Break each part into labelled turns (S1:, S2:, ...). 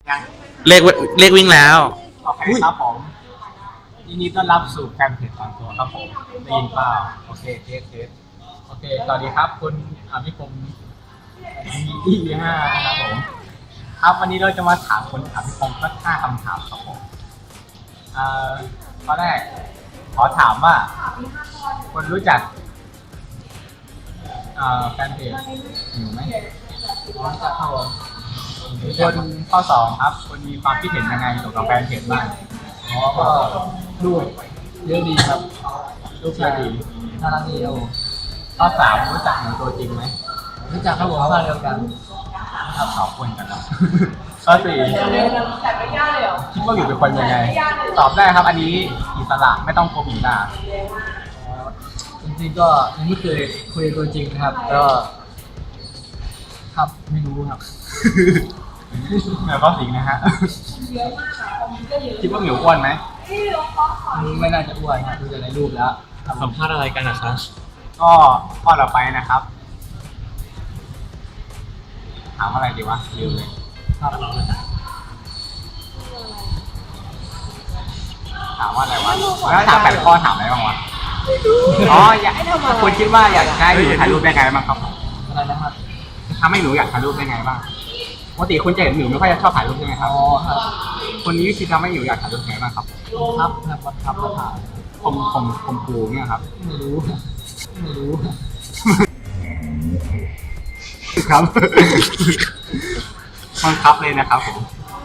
S1: ยัง
S2: เลขวิ่งแล้ว
S1: โอเคครับผมยินดีต้อนรับสู่แฟนเพจตอนตัวครับผมได้ยินเปล่าโอเคเทสโอเคสวัสดีครับคุณอภิคมมี5นะครับผมครับวันนี้เราจะมาถามคุณอภิคมสัก5คำถามครับผมข้อแรกขอถามว่าคุณรู้จักแฟนเพจอยู่ไหมรู้จักครับผมคนข้อ2ครับคุณมีความคิดเห็นยังไงเกี่ยวกับแฟนเพจบ้างก็รูปเยอะดีครับรูปเยอะดีน่ารักดีครับผมข้อ3รู้จักหนูตัวจริงไหมรู้จักครับผมบ้านเดียวกันครับขอบคุณกันครับข้อ4คิดว่าอยู่เป็นคนยังไงตอบได้ครับ อันนี้อิสระไม่ต้องโกหกหน้าจริงๆก็ยังไม่เคยคุยตัวจริงนะครับก็ครับไม่รู้ครับเหมียวก็สิงนะฮะคิดว่าเหมียวอ้วนไหมไม่น่าจะอ้วนนะดูจากในรูปแล้ว
S2: สัมภาษณ์อะไรกันนะครับ
S1: ก็ข้อต่อไปนะครับถามอะไรดีวะลืมเลยครับถามว่าอะไรวะแล้วถาม8 ข้อถามอะไรบ้างวะอ๋ออยากคุณคิดว่าอยากให้หนูถ่ายรูปได้ไงบ้างครับอะไรนะครับถ้าไม่หนูอยากถ่ายรูปได้ไงบ้างปกติคุณจะเห็นหนูไม่ค่อยจะชอบถ่ายรูปใช่ไหมครับอ๋อครับคนนี้คิดทำให้หนูอยากถ่ายรูปไงบ้างครับครับมาถ่ายผมปูเนี่ยครับไม่รู้ครับบังคับเลยนะครับผม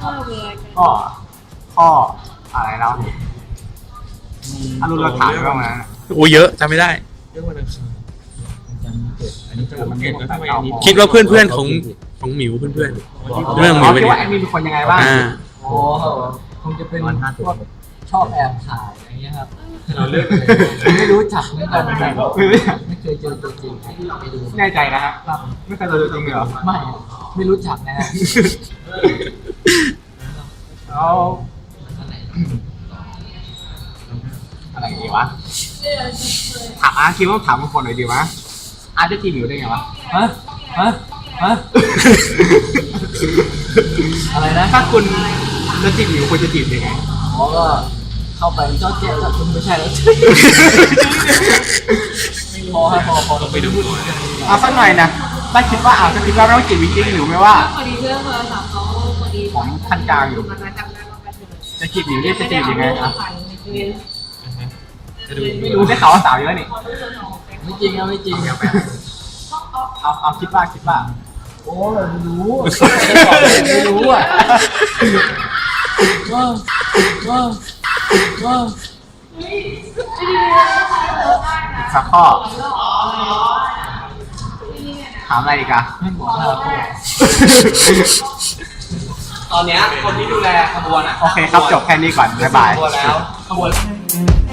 S1: ข้ออะไรแล้วอรุณเราถามบ้างนะ
S2: โอ้เยอะจำไม่ได้
S3: เรื่องวันอังคารอันนี้จะมันเห็นแล้วทำไมอันนี้
S2: คิดว่าเพื่อนของหมิวเพื่อนเรื่องหมิว
S1: คิ
S2: เป็น
S1: ด
S2: ไง
S1: ว่าแอดมินเป็นคนยังไงบ้าง
S4: โอ้คงจะเป็นพวกชอบแอบถ่ายอย่างเงี้ยครับ
S3: เราเลือกเลย
S4: ไม่รู้จักเหมือนกันไม่เคยเจอตัวจริงไปดู
S1: แน่ใจนะครับไม่เคยเจอตัวจริงเลยเหรอ
S4: ไม่รู้จักนะฮะ
S1: แล้วอะไรดีวะถามคิดว่าถามบางคนหน่อยดีวะจะจีบหมิวได้ไงวะ
S4: ฮะอะไรนะ
S1: ถ้าคุณจะจีบหมิวคุณจะจีบยังไง
S4: อ๋อก็เข้าไปเจ้าเจ๊ถ้าคุณไม่ใช่แล้วพอครับพอเราไปดู
S1: สักหน่อยนะถ้าคิดว่าจะคิดว่าเราจีบจริงหรือไม่ว่า
S5: พอดีเรื่องโทรศัพท์เขาพอดี
S1: ผมขั้นกลางอยู่
S5: มันมาจำได้ว่าไปถึง
S1: จะจีบหมิวนี่จะจีบยังไงครับ
S3: จะดู
S1: ไม่รู้ได้ข่าวว่าสาวเยอะนี่
S4: ไม่จริงครับไม่จริง
S1: เอาคิดว่า
S4: โอ้ไม่รู้ไม่รู้อ่ะ
S1: สักข้อถามอะไรอีกอะ
S4: ไม่บอกครับ
S3: ตอนนี้คนที่ดูแลขบวนอ่ะ
S1: โอเคครับจบแค่นี้ก่อนบ๊ายบาย
S3: ขบวนแล้ว